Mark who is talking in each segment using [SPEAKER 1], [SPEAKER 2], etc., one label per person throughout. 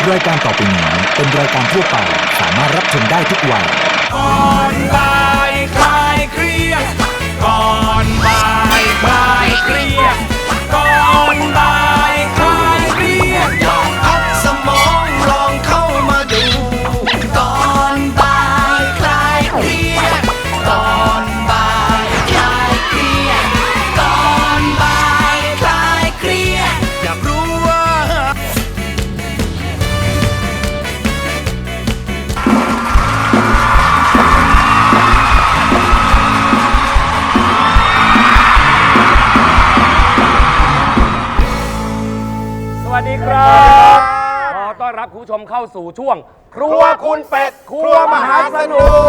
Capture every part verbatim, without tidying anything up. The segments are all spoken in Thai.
[SPEAKER 1] รายการต่อไปนี้เป็นรายการทั่วไปสามารถรับชมได้ทุกวัย
[SPEAKER 2] ก่อนบ่ายคลายเครียดก่อนบ่ายคลายเครียดก่อนบ่ายคลายเครียดลองพักสมองลองเข้ามาดูก่อนบ่ายคลายเครียดก่อนบ่ายคลายเครียดก่อนบ่ายคลายเครียดอยากรู้ว่า
[SPEAKER 3] สวัสดีครับขอต้อนรับคุณผู้ชมเข้าสู่ช่วง ครัวคุณเป็ดครัวมหาสนุก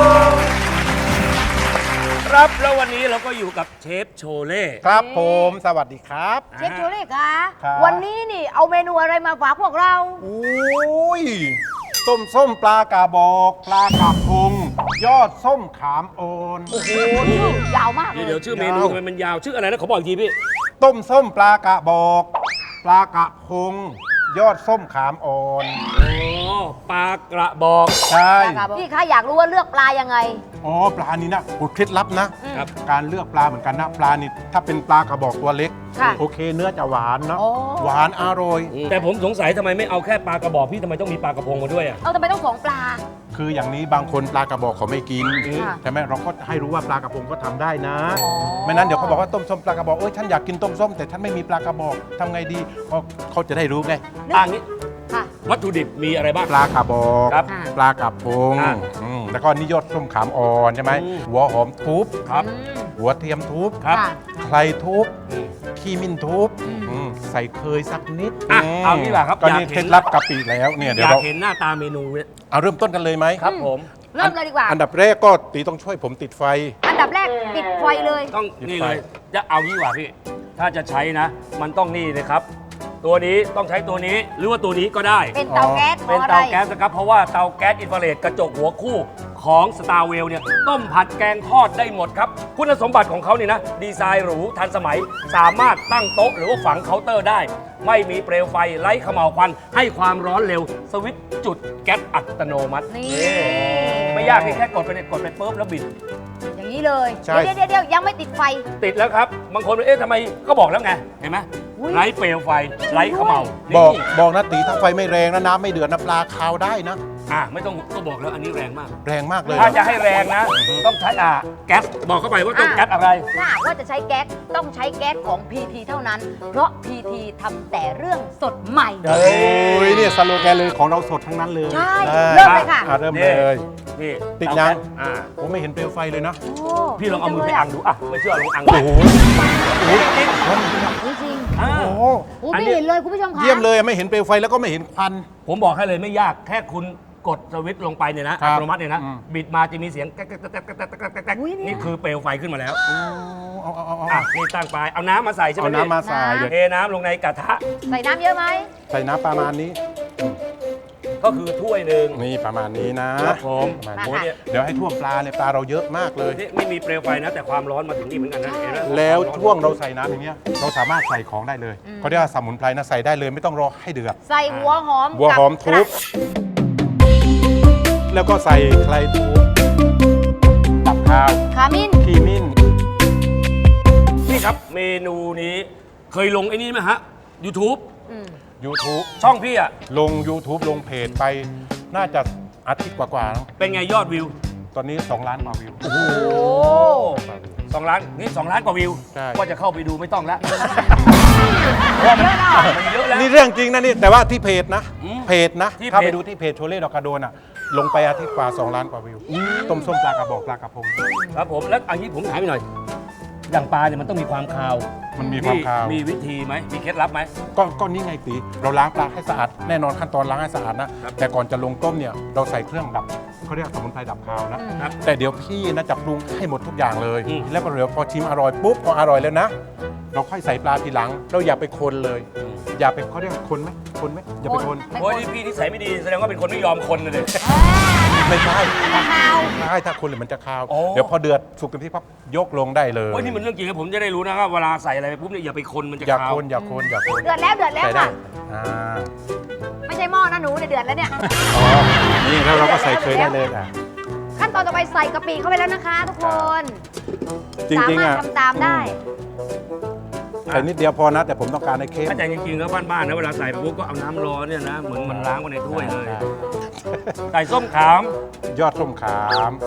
[SPEAKER 3] ครับแล้ววันนี้เราก็อยู่กับเชฟโชเล่
[SPEAKER 4] ครับผมสวัสดีครับ
[SPEAKER 5] เชฟโชเล่คะ
[SPEAKER 4] ครับ
[SPEAKER 5] วันนี้นี่เอาเมนูอะไรมาฝากพวกเรา
[SPEAKER 4] อุ้ยต้มส้มปลากระบอกปลากระพงยอดส้มขามโอนโอ้โห
[SPEAKER 5] ชื่อยาวมากเลย
[SPEAKER 3] เดี๋ยวชื่อเมนูทำไมมันยาวชื่ออะไรนะขอบอกอีกทีพี่
[SPEAKER 4] ต้มส้มปลากระบอกปลากระพงยอดส้มขามอ่อน
[SPEAKER 3] อ๋อปลากระบอก
[SPEAKER 4] ใช่
[SPEAKER 5] พี่คะอยากรู้ว่าเลือกปลายังไง
[SPEAKER 4] อ๋อปลานี้นะโอ้เคล็ดลับนะครับ การเลือกปลาเหมือนกันนะปลานี่ถ้าเป็นปลากระบอกตัวเล็ก
[SPEAKER 5] ค่ะ
[SPEAKER 4] โอเคเนื้อจะหวานนะ
[SPEAKER 5] โอ้
[SPEAKER 4] หวานอร่อย
[SPEAKER 3] แต่ผมสงสัยทำไมไม่เอาแค่ปลากระบอกพี่ทำไมต้องมีปลากระพงมาด้วยอ่ะ
[SPEAKER 5] เอาทำไมต้องสองปลา
[SPEAKER 4] คืออย่างนี้บางคนปลากระบอกเขาไม่กิน
[SPEAKER 5] ค่ะ
[SPEAKER 4] ใช่ไหมเราก็ให้รู้ว่าปลากระพงก็ทำได้นะ
[SPEAKER 5] อ๋อ
[SPEAKER 4] ไม่นั้นเดี๋ยวเขาบอกว่าต้มส้มปลากระบอกเอ้ยฉันอยากกินต้มส้มแต่ฉันไม่มีปลากระบอกทำไงดีก็เขาจะได้รู้ไง
[SPEAKER 3] อ่างี้
[SPEAKER 5] ค่ะ
[SPEAKER 3] วัตถุดิบมีอะไรบ้าง
[SPEAKER 4] ปลากระบอก
[SPEAKER 3] ครับ
[SPEAKER 4] ปลากระพง
[SPEAKER 3] อ่ะ
[SPEAKER 4] อืมแล้วก็นิยดส้มขามอ่อนใช่ไหม
[SPEAKER 3] อืม
[SPEAKER 4] หัวหอมทุบ
[SPEAKER 3] ครับ
[SPEAKER 5] อืม
[SPEAKER 4] หัวเทียมทุบ
[SPEAKER 3] ครับ
[SPEAKER 5] ค่ะ
[SPEAKER 4] ไครทุบ
[SPEAKER 3] อืม
[SPEAKER 4] ขี้มิ้นทุบอืมใส่เคยสักนิด
[SPEAKER 3] อ่ะ
[SPEAKER 4] ม
[SPEAKER 3] เอานี่แหละครับ
[SPEAKER 4] ก็
[SPEAKER 3] อยาก
[SPEAKER 4] นี่
[SPEAKER 3] เห็น
[SPEAKER 4] เคล็ดลับกะปิแล้วเนี่ย
[SPEAKER 3] อ
[SPEAKER 4] เดี๋ยวย
[SPEAKER 3] าก
[SPEAKER 4] เรา
[SPEAKER 3] เห็นหน้าตาเมนูเนี่ย
[SPEAKER 4] เอาเริ่มต้นกันเลยไหม
[SPEAKER 3] ครับผม
[SPEAKER 5] เริ่มเลยดีกว่า
[SPEAKER 4] อันดับแรกก็ตีต้องช่วยผมติดไฟ
[SPEAKER 5] อันดับแรกปิดไฟเลย
[SPEAKER 3] ต้อง
[SPEAKER 4] หยิบ
[SPEAKER 3] นี่
[SPEAKER 4] ไป
[SPEAKER 3] เลยจะเอางี้ดีกว่าพี่ ถ้าจะใช้นะ มันต้องนี่เลยครับ ตัวนี้ต้องใช้ตัวนี้หรือว่าตัวนี้ก็ได้
[SPEAKER 5] เป็นเตาแก๊ส
[SPEAKER 3] เป็น
[SPEAKER 5] พราะ
[SPEAKER 3] เตา
[SPEAKER 5] อะไร
[SPEAKER 3] แก๊สนะครับ เพราะว่าเตาแก๊สอินฟราเรดกระจกหัวคู่ของ Star w e l l เนี่ยต้มผัดแกงทอดได้หมดครับ คุณสมบัติของเขาเนี่ยนะ ดีไซน์หรูทันสมัย สามารถตั้งโต๊ะหรือว่าฝังเคาน์เตอร์ได้ ไม่มีเปลวไฟไร้เขม่าวควัน ให้ความร้อนเร็ว สวิตช์จุดแก๊สอัตโนมัติ
[SPEAKER 5] นี่
[SPEAKER 3] ไม่ยากแค่กดไปเนี่ยกดไปปุ๊บแล้วบิด
[SPEAKER 5] อย่างนี้เลย
[SPEAKER 4] ใช่
[SPEAKER 5] เดี๋ยวเดี๋ยวเดี๋ยวยังไม่ติดไฟ
[SPEAKER 3] ติดแล้วครับ บางคนเอ๊ะทำไมก็บอกแล้วไง เห็นไหม
[SPEAKER 5] อุ๊ย
[SPEAKER 3] ไร้เปลวไฟไร้เขม่าว
[SPEAKER 4] บอก
[SPEAKER 3] นี่
[SPEAKER 4] บอกนะตีถ้าไฟไม่แรงนะน้ำไม่เดือดนะปลาคาวได้นะ
[SPEAKER 3] อ่ะไม่ต้องก็บอกแล้วอันนี้แรงมาก
[SPEAKER 4] แรงมากเลย
[SPEAKER 3] ถ้าจะให้แรงนะ ต้องใช้อ่าแก๊สบอกเข้าไปว่าต้อง
[SPEAKER 5] อ่ะ
[SPEAKER 3] แก๊สอะไร
[SPEAKER 5] ถ้าหากว่าจะใช้แก๊สต้องใช้แก๊สของ พี ที เท่านั้น เพราะ พี ที ทำแต่เรื่องสดใหม่
[SPEAKER 3] เฮ้
[SPEAKER 4] โอ้ยเนี่ยสโลแกนเลยของเราสดทั้งนั้นเลย
[SPEAKER 5] ใช่
[SPEAKER 4] ได้
[SPEAKER 5] เริ่มเลยค่ะ
[SPEAKER 4] อ่เริ่มเลย
[SPEAKER 3] นี่
[SPEAKER 4] ติดยัง
[SPEAKER 3] อ่า
[SPEAKER 4] ผมไม่เห็นเปลวไฟเลยนะ
[SPEAKER 5] โอ้
[SPEAKER 3] พี่ลองเอามือไปอังดูอ่ะไม่เชื่อลองอัง
[SPEAKER 4] โอ้โห
[SPEAKER 3] จริง
[SPEAKER 5] จริง
[SPEAKER 3] ๆอ่า
[SPEAKER 4] โอ้โห
[SPEAKER 5] ๆโอ้ไม่เห็นเลยคุณผู้ชมคะ
[SPEAKER 4] เยี่ยมเลยไม่เห็นเปลวไฟแล้วก็ไม่เห็นควัน
[SPEAKER 3] ผมบอกให้เลยไม่ยากแค่คุณกดสวิตช์ลงไปเนี่ยนะ
[SPEAKER 4] ครั
[SPEAKER 3] อั
[SPEAKER 4] บ
[SPEAKER 3] ตโนมัติเนี่ยนะ
[SPEAKER 4] อืม
[SPEAKER 3] บิดมาจะมีเสียงแก๊กแก๊กแก๊กแก๊กแก๊กแก๊กแก๊กแก๊ก
[SPEAKER 5] อุ๊ยเนี่ย
[SPEAKER 3] นี่คือเปลวไฟขึ้นมาแล้ว
[SPEAKER 4] เอาเอาเอาเอา
[SPEAKER 3] อ่ะนี่ตั้งไปเอาน้ำมาใส่ใช่ไหม
[SPEAKER 4] เอาน้ำมาใส่
[SPEAKER 3] พี่
[SPEAKER 4] เดี๋ยว
[SPEAKER 3] เทน้ำลงในกระทะ
[SPEAKER 5] ใส่น้ำเยอะไหม
[SPEAKER 4] ใส่น้ำประมาณนี้
[SPEAKER 3] ก็คือถ้วยหนึ่ง
[SPEAKER 4] นี่ประมาณนี้นะครับ
[SPEAKER 3] ผม
[SPEAKER 4] ประมาณ
[SPEAKER 3] โอ้
[SPEAKER 4] นี้
[SPEAKER 3] เนี่ย
[SPEAKER 4] เดี๋ยวให้ท่วมปลาเนี่ยปลาเราเยอะมากเลย
[SPEAKER 3] นี่ไม่มีเปลวไฟนะ แต่ความร้อนมาถึงนี่เหมือนกันนะเห็นไหม
[SPEAKER 4] แล้วช่วงเราใส่น้ำอย่างเงี้ยเราสามารถใส่ของได้เลยเขาเรียกว่าสมุนไพรนะใส่ได้เลยไม่ต้องรอให้เดือด
[SPEAKER 5] ใส่หัวหอม
[SPEAKER 4] บัวหอมทุบ
[SPEAKER 5] กับ
[SPEAKER 4] แล้วก็ใส่ไครทุบตับข้าว
[SPEAKER 5] ขมิ้น
[SPEAKER 4] ขีมิ้น
[SPEAKER 3] นี่ครับเมนูนี้เคยลงไอ้นี่ไหมฮะ YouTube
[SPEAKER 5] อืม
[SPEAKER 4] YouTube
[SPEAKER 3] ช่องพี่อะ
[SPEAKER 4] ลง YouTube ลงเพจไปน่าจะอาทิตย์กว่าๆแล้ว
[SPEAKER 3] เป็นไงยอดวิว
[SPEAKER 4] ตอนนี้ สอง ล้านกว่าวิว
[SPEAKER 5] โอ้
[SPEAKER 3] สองล้านนี่สองล้านกว่าวิว
[SPEAKER 4] ใช่
[SPEAKER 3] ก็จะเข้าไปดูไม่ต้องแล้ว
[SPEAKER 5] เยอะเนาะ
[SPEAKER 3] มันเยอะแล้ว
[SPEAKER 4] นี่เรื่องจริงนะนี่แต่ว่าที่เพจนะ
[SPEAKER 3] อืม
[SPEAKER 4] เพจนะ
[SPEAKER 3] ที่เพจ
[SPEAKER 4] ถ้าไปดูที่เพจโชเล่ดอกกระโดนอ่ะลงไปอาทิตย์กว่า สอง ล้านกว่าวิวต้มส้มปลากระบอกปลากระพง
[SPEAKER 3] ครับผมแล้วอันนี้ผมถามอีกหน่อย อย่างปลาเนี่ยมันต้องมีความคาว
[SPEAKER 4] มันมีความคาว
[SPEAKER 3] มีวิธีไหมมีเคล็ดลับไหม
[SPEAKER 4] ก็ก็นี่ไงตีเราล้างปลาให้สะอาดแน่นอนขั้นตอนล้างให้สะอาดนะครับ แต่ก่อนจะลงต้มเนี่ยเราใส่เครื่องดับเขาเรียกสมุนไพรดับคาวนะ
[SPEAKER 3] ครับ
[SPEAKER 4] แต่เดี๋ยวพี่นะจะปรุงให้หมดทุกอย่างเลย
[SPEAKER 3] อืม
[SPEAKER 4] แล้วก็เดี๋ยวพอชิมอร่อยปุ๊บพออร่อยแล้วนะ เราค่อยใส่ปลาทีหลัง เราอย่าไปคนเลย อย่าไปเขาเรียกคนไหมคนไหมอย่าไปคน
[SPEAKER 3] โอ้ยนี่พี่นิสัยไม่ดีแสดงว่าเป็นคนไม่ยอมคนเลย
[SPEAKER 4] ไม่ใช่
[SPEAKER 5] ข้าว
[SPEAKER 4] ใช่ถ้าคนเลยมันจะคาว
[SPEAKER 3] โอ้
[SPEAKER 4] เดี๋ยวพอเดือดสุกเต็มที่ปั๊บยกลงได้เลย
[SPEAKER 3] โอ้ยนี่มันเรื่องจริงนะผมจะได้รู้นะว่าเวลาใส่อะไรไปปุ๊บเนี่ยอย่าไปคนมันจะ
[SPEAKER 4] อย่า
[SPEAKER 3] คาว
[SPEAKER 4] คนอย่าคนอย่าคน
[SPEAKER 5] เดือดแล้วเดือดแล้ว
[SPEAKER 4] ใส่ได้
[SPEAKER 5] ค่ะ
[SPEAKER 4] อ่า
[SPEAKER 5] ไม่ใช่หม้อนะหนูในเดือดแล้วเนี่ย
[SPEAKER 4] อ๋อ นี่แล้วเราก็ใส่เคยได้เลยอ่ะ
[SPEAKER 5] ขั้นตอนต่อไปใส่กะปิเข้าไปแล้วนะคะทุกคน
[SPEAKER 4] จริงๆ
[SPEAKER 5] สามาร
[SPEAKER 4] อ่ะ
[SPEAKER 5] ถทำตามได้
[SPEAKER 4] ใส่นิดเดียวพอนะ แต่ผมต้องการให้เค็ม
[SPEAKER 3] ถ้าใจจริงๆแล้วบ้านๆนะเวลาใส่ปุ๊บก็เอาน้ำร้อนเนี่ยนะเหมือนมันล้างไว้ในถ้วยเลย ใส่ส้มขาม
[SPEAKER 4] ยอดส้มขาม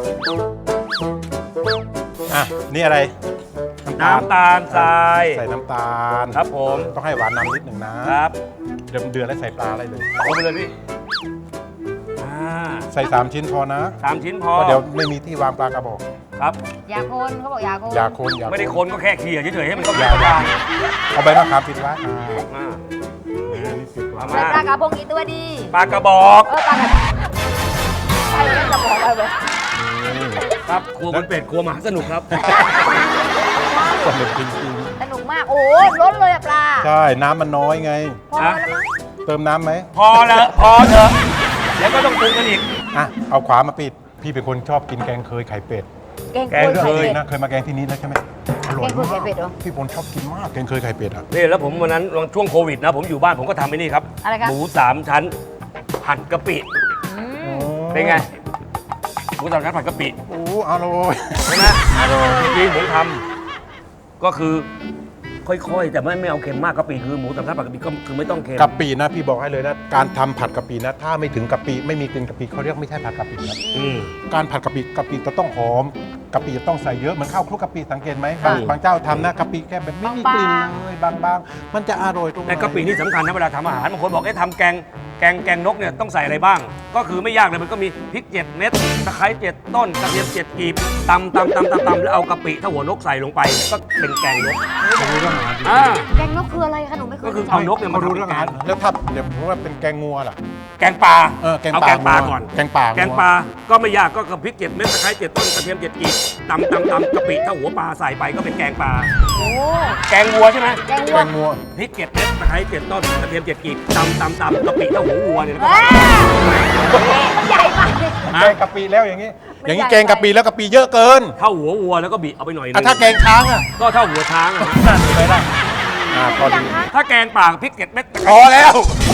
[SPEAKER 4] อ่ะ นี่อะไร
[SPEAKER 3] น้ำตาลทราย
[SPEAKER 4] ใส่น้ำตาล
[SPEAKER 3] ครับผม
[SPEAKER 4] ต้องให้หวานนำนิดหนึ่งนะ
[SPEAKER 3] ครับ
[SPEAKER 4] เดือดเดือดแล้วใส่ปลาอะไรเลย
[SPEAKER 3] เอาไปเลยพี่อ่า
[SPEAKER 4] ใส่สามชิ้นพอนะ
[SPEAKER 3] สามชิ้นพอ
[SPEAKER 4] เพราะเดี๋ยวไม่มีที่วางปลากระบอก
[SPEAKER 3] ครับ
[SPEAKER 5] อย่าคนเขาบอกอย่าคน
[SPEAKER 4] อย่าคนอย่า
[SPEAKER 3] ไม่ได้คนก็แค่เขี่ยเฉยๆให้มันเข้า
[SPEAKER 4] อย่า
[SPEAKER 3] กันได้
[SPEAKER 4] เอาใบมะขามปิดไว้อ่า
[SPEAKER 3] อ่า
[SPEAKER 4] อันนี้ปิดไว้
[SPEAKER 3] เอา
[SPEAKER 5] ใส่
[SPEAKER 3] มา
[SPEAKER 5] ปลากระพงกี่ตัวดี
[SPEAKER 3] ปลากระบอก
[SPEAKER 5] เออปลากระใช่แล้วจะบอกอะไร
[SPEAKER 4] นี่
[SPEAKER 3] ครับครัวคุณเป็ดครัวมหาสนุกครับ
[SPEAKER 4] สนุกจริง
[SPEAKER 5] สนุกมาก โอ้ยล้นเลยอะปลา
[SPEAKER 4] ๆ ใช่ น้ำมันน้อยไง
[SPEAKER 5] พอแล้วมั้ง
[SPEAKER 4] เติมน้ำไหม
[SPEAKER 3] พอแล้วพอเถอะเดี๋ยวก็ต้องปรุงกันอีก
[SPEAKER 4] อ่ะ เอาขวามาปิด พี่เป็นคนชอบกินแกงเคยไข่เป็ด
[SPEAKER 5] แกง
[SPEAKER 3] แกง
[SPEAKER 5] เคย
[SPEAKER 4] เค
[SPEAKER 5] ไข่
[SPEAKER 4] ย
[SPEAKER 5] เป็ด
[SPEAKER 4] นะ เคยมาแกงที่นี้แล้วใช่ไหมอร่อย
[SPEAKER 5] แกงเคยไข่
[SPEAKER 4] มาก
[SPEAKER 5] เป็ดเหรอ
[SPEAKER 4] พี่พลชอบกินมาก แกงเคยไข่เป็ดอ่ะ
[SPEAKER 3] นี่แล้วผมวันนั้นช่วงโควิดนะ ผมอยู่บ้านผมก็ทำไอ้นี่ครับ
[SPEAKER 5] อะไรครับ
[SPEAKER 3] หมูสามชั้นผัดกะปิ
[SPEAKER 5] อืม
[SPEAKER 3] เป็นไงหมูสามชั้นผัดกะปิ
[SPEAKER 4] โอ้อร่อย
[SPEAKER 3] ใช่ไหมจริงๆผมทำก็คือค่อยๆ แต่ไม่ไม่เอาเค็มมากกะปิคือหมูสามชั้นผัดกะปิก็คือไม่ต้องเค็ม
[SPEAKER 4] กะปินะพี่บอกให้เลยนะ การทำผัดกะปินะ ถ้าไม่ถึงกะปิไม่มีกลิ่นกะปิเขาเรียกไม่ใช่ผัดกะปินะ
[SPEAKER 3] อืม
[SPEAKER 4] การผัดกะปิกะปิจะต้องหอมกะปิจะต้องใส่เยอะเหมือนข้าวคลุกกะปิสังเกตไหมบาง
[SPEAKER 3] ค่ะ
[SPEAKER 4] บางเจ้าทำนะกะปิแค่แบบไม่มีกลิ่นเลยบางๆ มันจะอร่อยตรงไหน
[SPEAKER 3] แต่กะปินี่สำคัญนะเวลาทำอาหารบางคนบอกให้ทำแกงแกงแกงนกเนี่ยต้องใส่อะไรบ้าง ก็คือไม่ยากเลยมันก็มีพริกเจ็ดเม็ดตะไคร้เจ็ดต้นกระเทียมเจ็ดกีบตำตำตำตำตำแล้วเอากะปิถ้าหัวนกใส่ลงไปก็เป็นแกงนก
[SPEAKER 4] เขารู้เรื่องอาหารจริง
[SPEAKER 3] อ่า
[SPEAKER 5] แกงนกคืออะไรคะหนูไม่เคย
[SPEAKER 3] ก็คือ
[SPEAKER 5] รู้จั
[SPEAKER 3] เอานกเนี่ย
[SPEAKER 4] เขา
[SPEAKER 3] มา
[SPEAKER 4] รู้
[SPEAKER 3] ทำ
[SPEAKER 4] เรื่อง
[SPEAKER 3] แก
[SPEAKER 4] อาหาร
[SPEAKER 3] ง
[SPEAKER 4] แล้วถ้าเดี๋ยวผมว่าเป็นแกงงัวล่ะ
[SPEAKER 3] แกงปลา
[SPEAKER 4] เออแกง
[SPEAKER 3] เอา
[SPEAKER 4] ปลา
[SPEAKER 3] แกงปลา
[SPEAKER 4] งัว
[SPEAKER 3] ก่อน
[SPEAKER 4] แกงปลา
[SPEAKER 3] แกงปลาก็ไม่ยากก็กระพริกเจ็ดเม็ดตะไคร้เจ็ดต้นกระเทียมเจ็ดกีบตำตำตำกะปิถ้าหัวปลาใส่ไปก็เป็นแกงปลา
[SPEAKER 5] โอ้
[SPEAKER 3] แกงวัวใช่ไหม
[SPEAKER 5] แกง
[SPEAKER 4] แก
[SPEAKER 5] วัว
[SPEAKER 4] งงัว
[SPEAKER 3] พริกเจ็ดเม็ดตะไคร้เจ็ดต้นกระเทียมเจ็ดกีบตำตำตำกะปิถ้าหัววัวเนี่ยนะครับ
[SPEAKER 5] เอ้ยมันใหญ่มากเลย
[SPEAKER 4] แกงกะปิแล้วอย่างนี้
[SPEAKER 5] ไม่
[SPEAKER 4] อย่างนี้
[SPEAKER 5] ใหญ่
[SPEAKER 4] แกงกะปิแล้วกะปิเยอะเกิน
[SPEAKER 3] เท่าหัววัวแล้วก็บีเอาไปหน่อยนึ
[SPEAKER 4] อ่ะ
[SPEAKER 3] ง
[SPEAKER 4] ถ้าแกงช้างอ่ะ
[SPEAKER 3] ก็เท่าหัวช้างอะ
[SPEAKER 4] ไปได้อ่าพอ
[SPEAKER 5] ยั
[SPEAKER 4] ดี
[SPEAKER 5] งคะ
[SPEAKER 3] ถ้าแกงป่าพริกเจ็ดเม็ด
[SPEAKER 4] พอแล้ว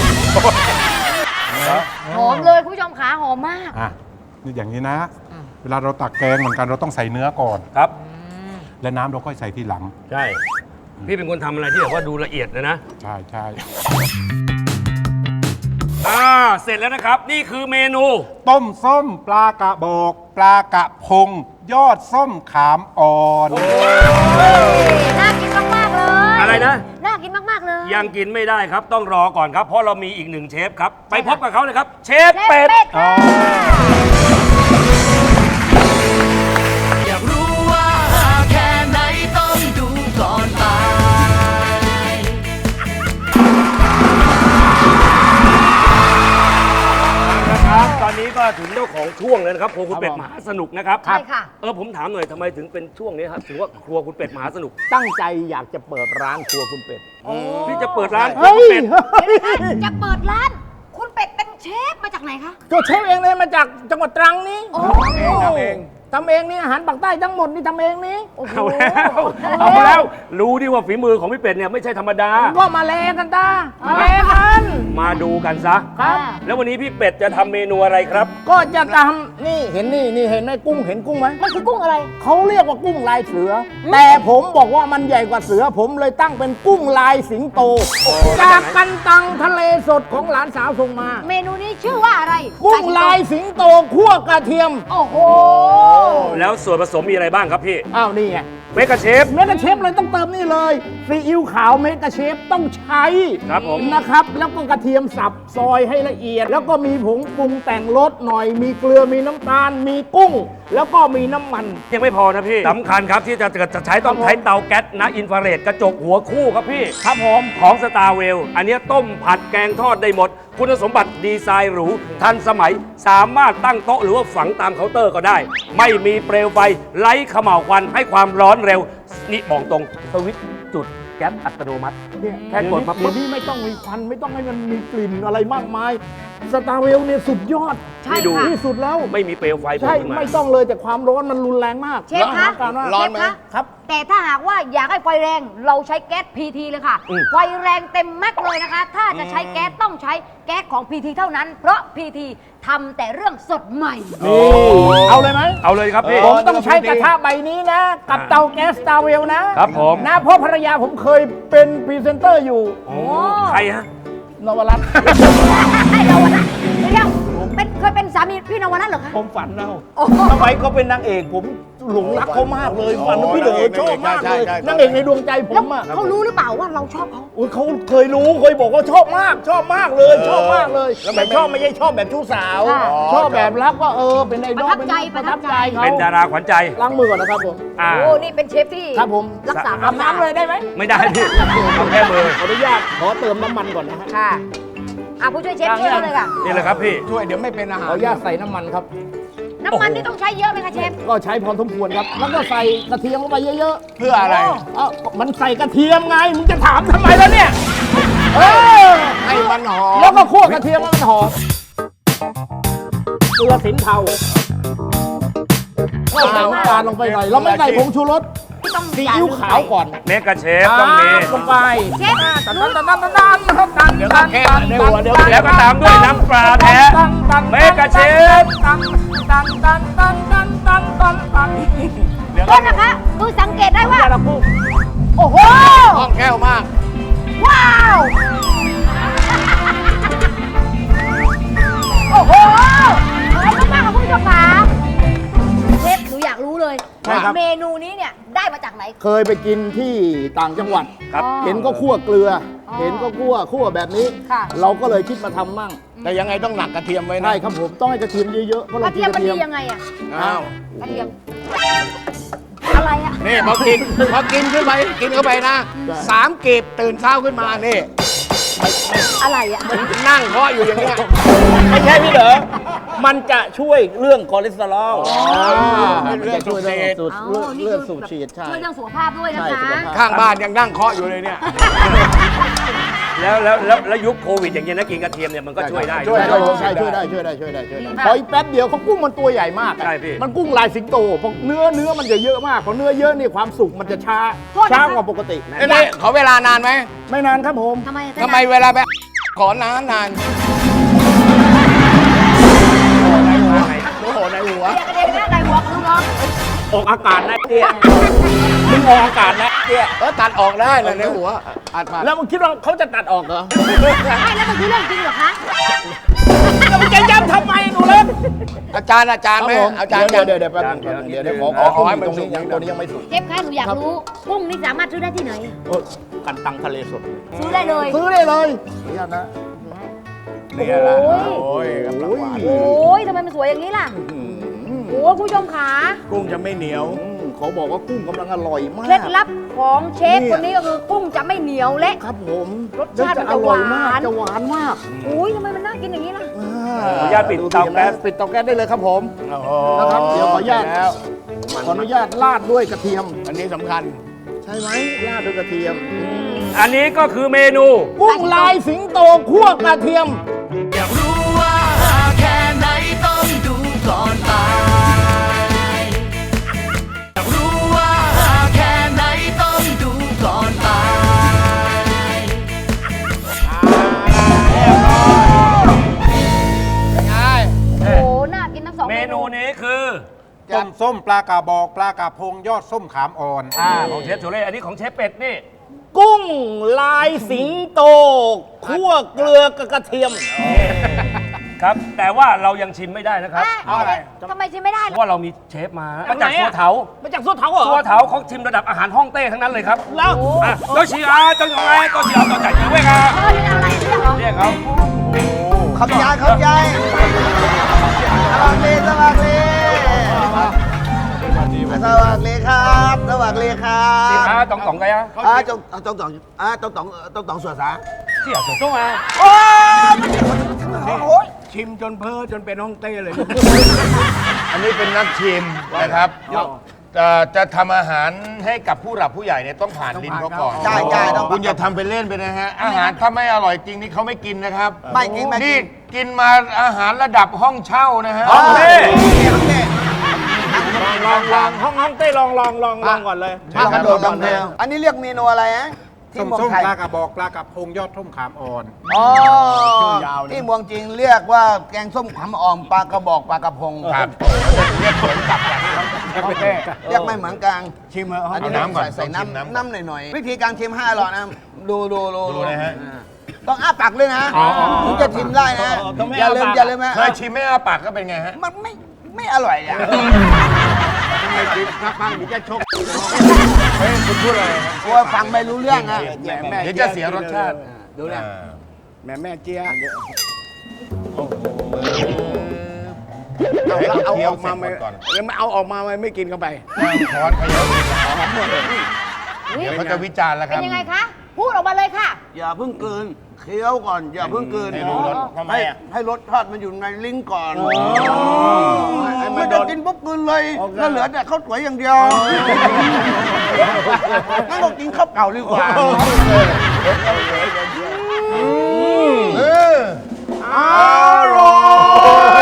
[SPEAKER 5] หอมเลยคุณผู้ชมขาหอมมาก
[SPEAKER 4] อ่ะนี่อย่างนี้นะ เวลาเราตักแกงเหมือนกันเราต้องใส่เนื้อก่อน
[SPEAKER 3] ครับ
[SPEAKER 4] และน้ำเราค่อยใส่ทีหลัง
[SPEAKER 3] ใช่ พี่เป็นคนทำอะไรที่แบบว่าดูละเอียดเลยนะ
[SPEAKER 4] ใช่ใช่
[SPEAKER 3] อ่า เสร็จแล้วนะครับ นี่คือเมนู
[SPEAKER 4] ต้มส้มปลากระบอก ปลากระพง ยอดส้มขามอ่อน
[SPEAKER 5] น่ากินมากๆเลย
[SPEAKER 3] อะไรนะ
[SPEAKER 5] น่ากินมากๆเลย
[SPEAKER 3] ยังกินไม่ได้ครับ ต้องรอก่อนครับ เพราะเรามีอีกหนึ่งเชฟครับ ไปพบกับเขาเลยครับ เชฟ
[SPEAKER 5] เชฟ
[SPEAKER 3] เป็ด
[SPEAKER 5] เป็ด
[SPEAKER 4] อ๋อ
[SPEAKER 2] อยากรู้ว่าแค่ไหนต้องดูก่อนตาย
[SPEAKER 3] นะครับ ตอนนี้ก็ถึงเจ้าของช่วงเลยนะครับ ครัวคุณเป็ดมหาสนุกนะครับ
[SPEAKER 5] ใช่ค่ะ
[SPEAKER 3] เออผมถามหน่อยทำไมถึงเป็นช่วงนี้ครับถือว่าครัวคุณเป็ดมหาสนุก
[SPEAKER 6] ตั้งใจอยากจะเปิดร้านครัวคุณเป็ด
[SPEAKER 3] พี่จะเปิดร้านครัว
[SPEAKER 6] เฮ้
[SPEAKER 3] คุณ
[SPEAKER 6] ย
[SPEAKER 3] เป็ด
[SPEAKER 5] จะเปิดร้าน คุณเป็ดเป็นเชฟมาจากไหนคะ
[SPEAKER 6] ก็เชฟเองเลยมาจากจังหวัดตรังนี้
[SPEAKER 5] โอ้
[SPEAKER 6] ทำเองทำเองนี่อาหารปากใต้ทั้งหมดนี่ทำเองนี่
[SPEAKER 5] โอ้โห
[SPEAKER 3] เอาแล้วเอาแล้ว รู้ดิว่าฝีมือของพี่เป็ดเนี่ยไม่ใช่ธรรมดา
[SPEAKER 6] ก็มาแลกันตามาแลกัน
[SPEAKER 3] มาดูกันซะ
[SPEAKER 6] ครับ
[SPEAKER 3] แล้ววันนี้พี่เป็ดจะทำเมนูอะไรครับ
[SPEAKER 6] ก็จะทำนี่เห็นนี่นี่เห็นไหมกุ้งเห็นกุ้งไหม
[SPEAKER 5] มันคือกุ้งอะไร
[SPEAKER 6] เขาเรียกว่ากุ้งลายเสือ แต่ผมบอกว่ามันใหญ่กว่าเสือ ผมเลยตั้งเป็นกุ้งลายสิงโต จากกันตังทะเลสดของหลานสาวส่งมา
[SPEAKER 5] เมนูนี้ชื่อว่าอะไร
[SPEAKER 6] กุ้งลายสิงโตคั่วกระเทียม
[SPEAKER 5] โอ้โห
[SPEAKER 3] แล้วส่วนผสมมีอะไรบ้างครับพี่
[SPEAKER 6] อ้าวนี่ไง
[SPEAKER 3] เมกะเชฟ
[SPEAKER 6] เมกะเชฟเลยต้องเติมนี่เลยซีอิ๊วขาวเมกะเชฟต้องใช้
[SPEAKER 3] ครับผม
[SPEAKER 6] นะครับ แล้วก็กระเทียมสับซอยให้ละเอียด แล้วก็มีผงปรุงแต่งรสหน่อย มีเกลือมีน้ำตาล มีกุ้ง แล้วก็มีน้ำมัน
[SPEAKER 3] ยังไม่พอนะพี่สำคัญครับที่จะจะใช้ต้องใช้เตาแก๊สนะอินฟราเรดกระจกหัวคู่ครับพี่ครับผมของสตาร์เวลอันเนี้ยต้มผัดแกงทอดได้หมด คุณสมบัติดีไซน์หรู ทันสมัยสามารถตั้งโต๊ะหรือว่าฝังตามเคาน์เตอร์ก็ได้ ไม่มีเปลวไฟไร้เขม่าวควันให้ความร้อนเร็ว นี่บอกตรงสวิตช์จุดแก๊สอัตโนมัติ
[SPEAKER 6] เนี่ย
[SPEAKER 3] แค่กดมาปุ๊บ
[SPEAKER 6] เดี๋ยวนี้ไม่ต้องมีควันไม่ต้องให้มันมีกลิ่นอะไรมากมายสตาร์เวลเนี่ยสุดยอด
[SPEAKER 5] ใช่
[SPEAKER 3] ดู
[SPEAKER 5] ค่ะ
[SPEAKER 6] ที่สุดแล้ว
[SPEAKER 3] ไม่มีเปลวไฟโผล่
[SPEAKER 6] ใช่
[SPEAKER 3] ขึ้นมา
[SPEAKER 6] ไม่ต้องเลยแต่ความร้อนมันรุนแรงมาก
[SPEAKER 5] เชฟคะ
[SPEAKER 6] แล้วอาการว่า
[SPEAKER 5] ร้อนไหม
[SPEAKER 6] ครับ
[SPEAKER 5] แต่ถ้าหากว่าอยากให้ไฟแรงเราใช้แก๊ส พี ที เลยค่ะ
[SPEAKER 3] อืม
[SPEAKER 5] ไฟแรงเต็มแม็กซ์เลยนะคะ ถ้าจะใช้แก๊สต้องใช้แก๊สของ พี ที เท่านั้น เพราะ พี ที ทำแต่เรื่องสดใหม่
[SPEAKER 6] นี่เอาเลยไหม
[SPEAKER 3] เอาเลยครับพี่
[SPEAKER 6] ผมต้องใช้กระทะใบนี้นะ กับเตาแก๊สสตาร์เวลนะครับ
[SPEAKER 3] ผม
[SPEAKER 6] นะเพราะภรรยาผมเคยเป็นพรีเซนเตอร์อยู่
[SPEAKER 3] โอ้ใครฮะ
[SPEAKER 6] นวรัตน์
[SPEAKER 5] ไอ้นวนัทเดี๋ยวเป็นเคยเป็นสามีพี่นวนัทเหรอคะ
[SPEAKER 6] ผมฝันเอา
[SPEAKER 5] โอ้โห
[SPEAKER 6] ทำไมเขาเป็นนางเอกผมหลงรักเขามากเลยฝันว่าพี่เหลือชอบมากเลยนางเอกในดวงใจผ
[SPEAKER 5] แล้ว
[SPEAKER 6] มอ่ะ
[SPEAKER 5] เขารู้หรือเปล่าว่าเราชอบเขา
[SPEAKER 6] อุ๊ยเขาเคยรู้เคยบอกว่าชอบมาก ชอบมากเลย ชอบมากเลยแต่ชอบไม่ใช่ชอบแบบชู้สาว ชอบแบบรักว่าเออเป็นไอดอล
[SPEAKER 5] ประทับใจ
[SPEAKER 6] เป็น
[SPEAKER 5] ประทับใจ
[SPEAKER 6] เขา
[SPEAKER 3] เป็นดาราขวัญใจ
[SPEAKER 6] ล้างมือก่อนนะครับผม
[SPEAKER 3] อ่า
[SPEAKER 5] โอ้นี่เป็นเชฟที่
[SPEAKER 6] ครับผม
[SPEAKER 5] รักษา
[SPEAKER 6] อาบน้ำเลยได้ไหม
[SPEAKER 3] ไม่ได้พี่ต้องแค่มือ
[SPEAKER 6] ขออนุญาตขอเติมน้ำมันก่อนนะฮะ
[SPEAKER 5] ค่ะอ่ะผู้ช่วยเชฟช่วยเราเลยค่ะ
[SPEAKER 3] นี่เลยครับพี่
[SPEAKER 4] ช่วยเดี๋ยวไม่เป็นอา
[SPEAKER 6] ข
[SPEAKER 4] หา
[SPEAKER 6] อ
[SPEAKER 4] ร
[SPEAKER 6] อนุญาตใส่น้ำมันครับ
[SPEAKER 5] น้ำมันนี่ต้องใช้เยอะไหมคะเชฟ
[SPEAKER 6] ก็ใช้พอสมควรครับ แล้วก็ใส่กระเทียมลงไปเยอะ
[SPEAKER 4] เพื่ออะไร
[SPEAKER 6] ๆเอ้ามันใส่กระเทียมไงมึงจะถามทำไมแล้วเนี่ยเออ
[SPEAKER 4] ให้มันหอม
[SPEAKER 6] แล้วก็คั่วกระเทียมให้มันหอมเกลือสินเทาก็ใส่น้ำตาลลงไปหน่อยเราไม่ใส่ผงชูรส
[SPEAKER 5] ที่ต้อง
[SPEAKER 6] ซีอิ๊วขาวก่อน
[SPEAKER 3] เมกะเชฟต้องมี
[SPEAKER 6] ลงไป
[SPEAKER 5] เชฟ
[SPEAKER 6] ตันตันตันตันตันตันตัน
[SPEAKER 4] เดี๋ยวก็แค่เดี๋ยวเดี๋ยว
[SPEAKER 3] แล้วก็ตามด้วยน้ำปลาแท้เมกะเชฟ
[SPEAKER 6] ตันตันตันตันตันตันตันตัน
[SPEAKER 5] โทษนะคะดูสังเกตได้ว่า
[SPEAKER 6] ยาละกุ้ง
[SPEAKER 5] โอ้โห
[SPEAKER 4] คล่องแคล่วมาก
[SPEAKER 5] ว้าว โอ้โหขอบคุณมากค่ะคุณผู้ชมค่ะเชฟหนูอยากรู้เลย
[SPEAKER 6] ใช่ครับ
[SPEAKER 5] เมนูนี้เนี่ยได้มาจากไหน
[SPEAKER 6] เคยไปกินที่ต่างจังหวัด
[SPEAKER 3] ครับ
[SPEAKER 5] อ๋อ
[SPEAKER 6] เห็นก็คั่วเกลือ
[SPEAKER 5] อ๋อ
[SPEAKER 6] เห็นก็คั่วคั่วแบบนี้
[SPEAKER 5] ค่ะ
[SPEAKER 6] เราก็เลยคิดมาทำมั่ง
[SPEAKER 4] แต่ยังไงต้องหนักกระเทียมไว้นะ
[SPEAKER 6] ใช่ครับผมต้องให้กระเทียมเยอะๆเพราะ
[SPEAKER 5] ก
[SPEAKER 6] เรา
[SPEAKER 5] ระ
[SPEAKER 6] กิ
[SPEAKER 5] เทีย
[SPEAKER 6] น
[SPEAKER 5] ม
[SPEAKER 6] ก
[SPEAKER 5] มัน
[SPEAKER 6] ระเทีย
[SPEAKER 5] ดี
[SPEAKER 6] ม
[SPEAKER 5] ยังไงอะ
[SPEAKER 4] อ้าว
[SPEAKER 5] กระเทียม อะไรอะ
[SPEAKER 4] นี่พอกินพอกินขึ้นไปกินเข้าไปนะสามกีบตื่นเช้าขึ้นมานี่
[SPEAKER 5] อะไรอะ
[SPEAKER 4] นั่งเคาะอยู่อย่างเงี้ย
[SPEAKER 6] ไม่ใช่พี่เหรอมันจะช่วยเรื่องคอเลสเตอรอล
[SPEAKER 4] เป็นเรื่อง
[SPEAKER 6] ช่วยเรื่องสูบ
[SPEAKER 5] อ๋อนี่
[SPEAKER 6] เรื่อง
[SPEAKER 5] คื
[SPEAKER 6] สูบ
[SPEAKER 5] แบบ
[SPEAKER 6] ฉีดใช่
[SPEAKER 5] ช่วยเรื่องสุขภาพด้วยนะ
[SPEAKER 6] ใช่สุข
[SPEAKER 5] คะ
[SPEAKER 6] ภาพ
[SPEAKER 4] ข้างบ้านยังนั่งเคาะอยู่เลยเนี่ย
[SPEAKER 3] แล้วแล้วแล้วแล้วยุคโควิดอย่างเงี้ยนะกินกระเทียมเนี่ยมันก็ช่วยได้
[SPEAKER 4] ช่วย
[SPEAKER 6] ใช่ใช่ช่วยได้ช่วยได้ช่วยได้ช่วยได้พออีกแป๊บเดียวเขากุ้งมันตัวใหญ่มากอะ
[SPEAKER 3] ใช่พี่
[SPEAKER 6] มันกุ้งลายสิงโตเพราะเนื้อเนื้อมันจะเยอะมากเพราะเนื้อเยอะนี่ความสุกมันจะช้า
[SPEAKER 5] โทษนะคะ
[SPEAKER 6] ช้ากว่าปกติ
[SPEAKER 4] เอ้ยนี่ขอเวลานานไหม
[SPEAKER 6] ไม่นานครับผม
[SPEAKER 5] ทำไม
[SPEAKER 4] ทำไมเวลาไปขอนานนานโอ้โหในหัว
[SPEAKER 5] เรียกกระเด็นหน้าใส่หัวของลูกน้อง
[SPEAKER 6] ออกอากาศนะเตี้ยมึงออกอากาศนะเตี้ย
[SPEAKER 4] เออตัดออกได้เลยในหัวอัดผ่าน
[SPEAKER 6] แล้วมึงคิดว่าเขาจะตัดออกเหรอ
[SPEAKER 5] ไม่แล้วมันคือเรื่องจริงเหรอคะ
[SPEAKER 6] แล้วมึงจะย้ำทำไมหนูเล็ก
[SPEAKER 4] อาจารย์อาจารย์ไหมอาจารย์
[SPEAKER 6] เดี๋ยวเดี๋ยวเดี๋ยวแป๊บนึงเดี๋ยวเดี๋ยวขอขอ
[SPEAKER 4] ขอให้มัน
[SPEAKER 6] ตรงนี้
[SPEAKER 4] สุก
[SPEAKER 6] ยังตัวนี้ยังไม่สุก
[SPEAKER 5] เชฟคะหนูอยากรู้กุ้งนี่สามารถซื้อได้ที่ไหน
[SPEAKER 6] โอ้ยกันตังทะเลสด
[SPEAKER 5] ซื้อได้เลย
[SPEAKER 6] ซื้อได้เลยขออนุญาตนะ
[SPEAKER 4] นี่แหละ
[SPEAKER 5] โอ้ย
[SPEAKER 4] โอ้ยกำลังหวาน
[SPEAKER 5] โอ้ยทำไมมันสวยอย่างนี้ล่ะ โอ้ยคุณผู้ชมขา
[SPEAKER 4] กุ้งจะไม่เหนียว
[SPEAKER 6] อืมเขาบอกว่ากุ้งกำลังอร่อยมาก
[SPEAKER 5] เคล็ดลับของเชฟ
[SPEAKER 6] เนี่ย
[SPEAKER 5] คนนี้ก็คือกุ้งจะไม่เหนียวเละ
[SPEAKER 6] ครับผม
[SPEAKER 5] รสชาติมัน
[SPEAKER 6] อ
[SPEAKER 5] จะ
[SPEAKER 6] ร่อยมาก
[SPEAKER 5] หวาน
[SPEAKER 6] จะหวานมาก
[SPEAKER 5] โอ้ยทำไมมันน่ากินอย่างนี้ล่ะ
[SPEAKER 3] ขออนุญาตปิดเตาแก๊ส
[SPEAKER 6] ปิดเตาแก๊สได้เลยครับผม
[SPEAKER 4] โอ้โห
[SPEAKER 6] นะครับเดี๋ยวขออนุญาต
[SPEAKER 4] แล้ว
[SPEAKER 6] ขออนุญาตราดด้วยกระเทียม
[SPEAKER 4] อันนี้สำคัญ
[SPEAKER 6] ใช่ไหมราดด้วยกระเทียม
[SPEAKER 3] อันนี้ก็คือเมนู
[SPEAKER 6] กุ้งลายสิงโตคั่วกระเทียม
[SPEAKER 2] อยากรู้ว่าแค่ไหนต้องดูก่อนตายอยากรู้ว่าแค่ไหนต้องดูก่อนตาย
[SPEAKER 5] โอ้น่ากินทั้งสอง
[SPEAKER 3] เม
[SPEAKER 5] เม
[SPEAKER 3] นู
[SPEAKER 5] นู
[SPEAKER 3] นี้คือ
[SPEAKER 4] ต้มส้มปลากระบอกปลากระพงยอดส้มขามอ่อน
[SPEAKER 3] อ่าของเชฟโชเล่อันนี้ของเชฟเป็ดนี่
[SPEAKER 6] กุ้งลายสิงโตคั่วเกลือกับกระเทียม
[SPEAKER 3] ครับ แต่ว่าเรายังชิมไม่ได้นะครับ
[SPEAKER 5] เอาอะไรทำไมชิมไม่ได้
[SPEAKER 3] เพ
[SPEAKER 5] ล่ะ
[SPEAKER 3] ราะว่าเรามีเชฟมามาจาก
[SPEAKER 6] ไหน
[SPEAKER 3] สั
[SPEAKER 6] อะ
[SPEAKER 3] วเถา
[SPEAKER 6] มาจากสุดเท้าเหรอ
[SPEAKER 3] สัวเถาเขาชิมระดับอาหารฮ่องเต้ทั้งนั้นเลยครับ
[SPEAKER 6] แล้ว
[SPEAKER 3] อ่ะโตชิอาจังไงโตชิอาโตจัดเยอะเว้ยครับ
[SPEAKER 5] เออนี่อะไรเรียกเหรอ
[SPEAKER 3] เรียกเขา
[SPEAKER 7] ขอบยายขอบยายสวัสดีสวัสดีสวัสดีครับสวัสดีครั
[SPEAKER 3] สิ
[SPEAKER 7] บ
[SPEAKER 3] อาตองตองไงอ่ะ
[SPEAKER 7] อ่าจงจงตองอ่าจงตองจงตองสวนสา
[SPEAKER 3] เสี่ยจงมา
[SPEAKER 7] โอ้ย
[SPEAKER 4] ชิมจนเพ้อจนเป็นห้องเต้เลย
[SPEAKER 8] อันนี้เป็นนักชิมนะครับ แต่เอ่อจะทำอาหารให้กับผู้หลักผู้ใหญ่เนี่ยต้องผ่านลิ้นเขาก่อน
[SPEAKER 7] ใช่ใช่ต้อง
[SPEAKER 8] คุณอย่าทำเป็นเล่นไปนะฮะ อาหารถ้าไม่อร่อยจริงนี่เขาไม่กินนะครับ
[SPEAKER 7] ไม่กินไม่กิน
[SPEAKER 8] นี่กินมาอาหารระดับห้องเช่านะฮะ
[SPEAKER 7] โอเคโอเค
[SPEAKER 6] ลองลองห้องห้องเต้ลองลองลองลองก่อนเลย
[SPEAKER 7] ลองกระโดดลองเร็วอันนี้เรียกเมนูอะไรฮะที่
[SPEAKER 4] ส้ม
[SPEAKER 7] เมือง
[SPEAKER 4] ส้ม
[SPEAKER 7] ไทย
[SPEAKER 4] ปลากระบอกปลากระพงยอดทุ่มขามอ่อน
[SPEAKER 7] อ๋อ
[SPEAKER 6] ชื่อยาวเลย
[SPEAKER 7] ที่เมืองจีนเรียกว่าแกงส้มขำอ่อมปลากระบอกปลากระพง
[SPEAKER 8] ครับ
[SPEAKER 7] เรียกไม่เหมือนกัน
[SPEAKER 6] ชิมเหรอ
[SPEAKER 7] อันนี้
[SPEAKER 8] เอาน้ำก่อน
[SPEAKER 7] ใส่ใส่
[SPEAKER 8] ต้องชิมน้ำ
[SPEAKER 7] น้ำน้ำหน่อยๆวิธีการชิมให้อร่อยนะดูดูดู
[SPEAKER 8] ดูนะฮะ
[SPEAKER 7] อ่าต้องอ้าปากเลยนะถึงจะชิมได้นะอย่าลืมอย่าลืมนะ
[SPEAKER 8] เคยชิมไม่อาปากก็เป็นไงฮะ
[SPEAKER 7] มันไม่ไม่อร่อยอ่ะ
[SPEAKER 6] ไม่ชิมครับบ้างเดี๋ยวจะชก
[SPEAKER 8] เฮ้ยคุณพูดอะไรฮะ
[SPEAKER 7] กลัวฟังไม่รู้เรื่องอ่ะ
[SPEAKER 6] แหม่แม่
[SPEAKER 8] เดี๋ยวจะเสียรสชาติ
[SPEAKER 6] ดูนะแม่แม่เจี๊ยบ
[SPEAKER 8] ให้
[SPEAKER 6] เอา
[SPEAKER 8] เขา
[SPEAKER 6] เอา
[SPEAKER 8] เคี้ย
[SPEAKER 6] อ
[SPEAKER 8] ว
[SPEAKER 6] อก
[SPEAKER 8] เสร็
[SPEAKER 6] มา
[SPEAKER 8] จห
[SPEAKER 6] ไห
[SPEAKER 8] ม
[SPEAKER 6] ม
[SPEAKER 8] ดก่อน
[SPEAKER 6] แล้วไม่เอาออกมาไหมไม่กินเข้าไป
[SPEAKER 8] ช้อนเขย่าเดี๋ยวเขาจะวิจารณ์แล้วค
[SPEAKER 5] เป็
[SPEAKER 8] รับ
[SPEAKER 5] นยังไงคะ พูดออกมาเลยค่ะ
[SPEAKER 7] อย่าเพิ่งกลืนเคี้ยวก่อน อย่าเพิ่งกลืน
[SPEAKER 8] ให้รู้รสทำไม
[SPEAKER 7] ให้
[SPEAKER 8] อ่ะ
[SPEAKER 7] ให้รสชาติมันอยู่ในลิ้นก่อน
[SPEAKER 6] ให้มั
[SPEAKER 7] ไม่
[SPEAKER 6] นโด
[SPEAKER 7] ได้
[SPEAKER 6] น
[SPEAKER 7] กินปุ๊บกลืนเลย
[SPEAKER 6] โอเค
[SPEAKER 7] แล้วเหลือแต่ข้าวสวยอย่างเดียวงั้นก็กินข้าวเก่าดีกว่า
[SPEAKER 8] เออ
[SPEAKER 7] อร่อย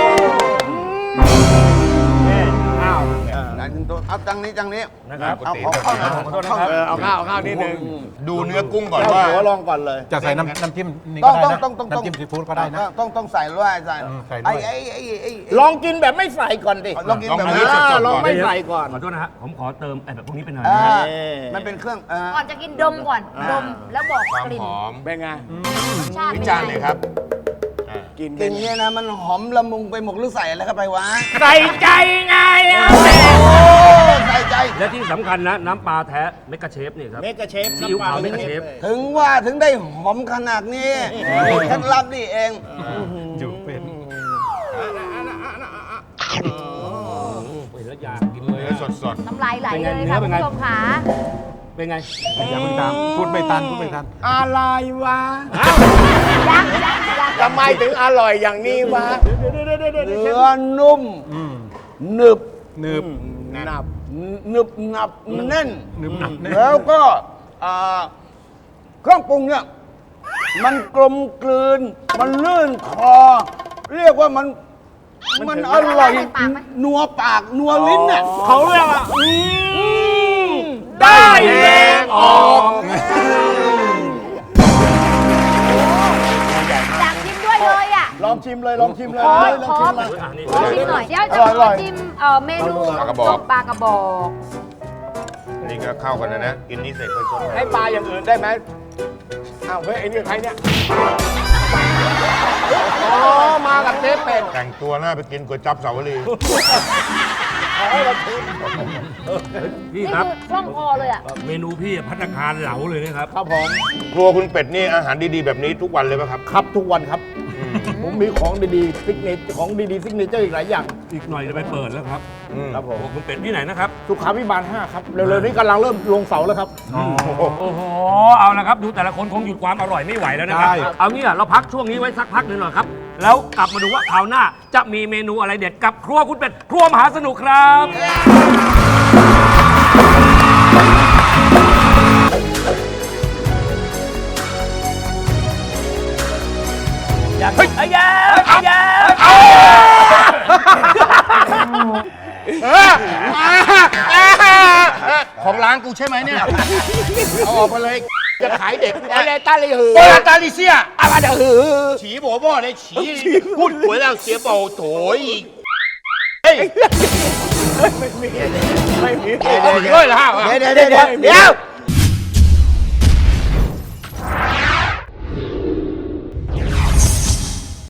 [SPEAKER 6] อ้าว
[SPEAKER 7] ไหนถึงตัวเอาจังนี้จังนี้
[SPEAKER 3] นะครับ
[SPEAKER 7] เอาของเข้าหน่อย
[SPEAKER 3] ขอโทษนะครับ
[SPEAKER 6] เออเอาข้าวเอาข้าวนิดนึง
[SPEAKER 8] ดูเนื้อกุ้งก่อน
[SPEAKER 6] เอา
[SPEAKER 8] ว่า
[SPEAKER 6] หัวลองก่อนเลย
[SPEAKER 4] จะใส่น้ำน้ำจิ้มนี่
[SPEAKER 7] ต้
[SPEAKER 4] ก็
[SPEAKER 7] อง
[SPEAKER 4] ได้
[SPEAKER 7] ต้อง
[SPEAKER 4] นะ
[SPEAKER 7] ต้องต้อง
[SPEAKER 4] น้ำจิ้มซีฟู้ดก็ได้นะ
[SPEAKER 7] ต้องต้องใส่ด้วยใส่
[SPEAKER 4] อืมใส่ด้วย
[SPEAKER 7] ไอ้ไอ้ไอ้ไอ้
[SPEAKER 6] ลองกินแบบไม่ใส่ก่อนดิ
[SPEAKER 7] ลองกินแบบ
[SPEAKER 8] ลอง
[SPEAKER 7] นี้
[SPEAKER 8] อันนี้สดๆ
[SPEAKER 6] ลอง
[SPEAKER 8] ก่อน
[SPEAKER 6] ไม่ใส่ก่อน
[SPEAKER 3] ขอโทษนะฮะ ผมขอเติมไอ้แบบพวกนี้เป็นหน่อย
[SPEAKER 7] อ่า
[SPEAKER 3] นะฮะ
[SPEAKER 7] มันเป็นเครื่องเออ
[SPEAKER 5] ก่อนจะกินดมก่อน ดมแล้วบอก
[SPEAKER 8] ความ
[SPEAKER 5] กลิ่น
[SPEAKER 8] หอม
[SPEAKER 6] เป็นไง
[SPEAKER 5] รสชาติ
[SPEAKER 8] วิ
[SPEAKER 5] เป็น
[SPEAKER 8] จารณ์
[SPEAKER 5] ไง
[SPEAKER 8] เลยครับอ่า
[SPEAKER 6] กิน
[SPEAKER 7] กลิ่นเนี่ยนะมันหอมละมุงไปหมดหรือใส่อะไรเข้าไปวะ
[SPEAKER 6] ใส่ใจไงอ่ะ
[SPEAKER 7] โอ้ใส่ใจ
[SPEAKER 3] และที่สำคัญนะ น้ำปลาแท้เมกะเชฟนี่ครับ
[SPEAKER 6] เมกะเชฟ
[SPEAKER 3] ซีอิ๊วขาวเมกะเชฟ
[SPEAKER 7] ถึงว่าถึงได้หอมขนาดนี้เคล็ดลับนี่เอง
[SPEAKER 4] อยู่เป็น
[SPEAKER 3] เห็นแล้วอยากกินเลย
[SPEAKER 8] เนื้อ
[SPEAKER 3] อะ
[SPEAKER 8] สด
[SPEAKER 5] น้ำลายไหล
[SPEAKER 3] เป็นไง
[SPEAKER 5] เลยค่ะ
[SPEAKER 3] เนื้
[SPEAKER 5] คุ
[SPEAKER 3] อ
[SPEAKER 5] ณ
[SPEAKER 3] เป็นไง
[SPEAKER 5] ผู้ชมค่ะ
[SPEAKER 3] เป็นไง
[SPEAKER 4] อย่าเพิ่งตามพูดไม่ทันพูดไม่ทัน
[SPEAKER 6] อะไรวะ
[SPEAKER 5] ยังยังยัง
[SPEAKER 6] ทำไมถึงอร่อยอย่างนี้วะ
[SPEAKER 7] เนื้อนุ่ม
[SPEAKER 4] อืม
[SPEAKER 7] หนึบ
[SPEAKER 4] หนึบ
[SPEAKER 6] นับ
[SPEAKER 7] หนึบหนับแน่น
[SPEAKER 4] หนึบหนับแน่
[SPEAKER 7] แล้วก็อ่าเครื่องปรุงเนี่ย มันกลมกลืน มันลื่นคอ เรียกว่ามัน มันอร่อยนัวปากนัวลิ้นเนี่ย
[SPEAKER 6] เขาเรียกว่าอืมได้แรงออก
[SPEAKER 5] อยากชิมด้วยเลยอ่ะ
[SPEAKER 6] ลองชิมเลยลองชิมเลย
[SPEAKER 5] ขอ
[SPEAKER 6] ล
[SPEAKER 5] ข
[SPEAKER 6] อง
[SPEAKER 5] อ
[SPEAKER 6] ชิมเลย
[SPEAKER 3] อ่ะนี่
[SPEAKER 5] ขอชิมหน่อย เดี๋ยวจะ
[SPEAKER 6] อร่อยอร่
[SPEAKER 5] ขอ
[SPEAKER 6] อย
[SPEAKER 5] ชิมเอ่อเมนู
[SPEAKER 8] ปลากระบอก
[SPEAKER 5] ต้มปลากระบอก
[SPEAKER 8] ๆ นี่ก็เข้ากันนะนะ กินนี้เสร็จค่อยชด
[SPEAKER 6] ให้ปลาอย่างอื่นได้ไหมอ้าวเฮ้ยไอ้นี่ใครเนี่ย อ๋อ มากับเจ๊เป็ด
[SPEAKER 8] แต่งตัวหน้าไปกินก๋วยจั๊บสาวรี
[SPEAKER 3] พี่
[SPEAKER 5] นี่
[SPEAKER 3] ครับ
[SPEAKER 5] คือช่องคอเลยอ่ะ
[SPEAKER 3] เมนูพี่พัตตาคารเหลาเลยนะครับ
[SPEAKER 6] ครับผม
[SPEAKER 8] ครัวคุณเป็ดนี่อาหารดีๆ แบบนี้ทุกวันเลยป่ะครับ
[SPEAKER 6] ครับทุกวันครับ ผมมีของดีๆซิกเนเจของดีๆซิกเนเจอร์อีกหลายอย่าง
[SPEAKER 3] อีกหน่อยจะไปเปิดแล้วครับ
[SPEAKER 6] ครับผม
[SPEAKER 3] โอ้คุณเป็ดที่ไหนนะครับ
[SPEAKER 6] สุขาพิบาลห้าครับ เร็วๆนี้กำลังเริ่มลงเสาแล้วครับ
[SPEAKER 3] โอ้โห เอาละครับ ดูแต่ละคนคงหยุดความอร่อยไม่ไหวแล้วนะครับ
[SPEAKER 4] ใช่
[SPEAKER 3] เอางี้อะเราพักช่วงนี้ไว้สักพักหนึ่งหน่อยครับ แล้วกลับมาดูว่าคราวหน้าจะมีเมนูอะไรเด็ดกับครัวคุณเป็ด ครัวมหาสนุกครับ อย่าเฮ้ยไอ้ยาไอ้ยา
[SPEAKER 8] ของร้านกูใช่ไหมเนี่ย เอาออกมาเลย จะขายเด็ก
[SPEAKER 6] อะไรตาลีหือ
[SPEAKER 8] โอลาตาลิเซีย
[SPEAKER 6] อะไรเดี๋ยวหือ
[SPEAKER 8] ฉีบ่บ่เลยฉีพูดหวยแล้วเสียเบาโถยอีกเฮ้ย
[SPEAKER 6] ไม่มี ไม่มี
[SPEAKER 8] ด้วยเหรอฮะ
[SPEAKER 7] เดี๋ยวเดี๋ยวเดี๋ยวเดี๋ยว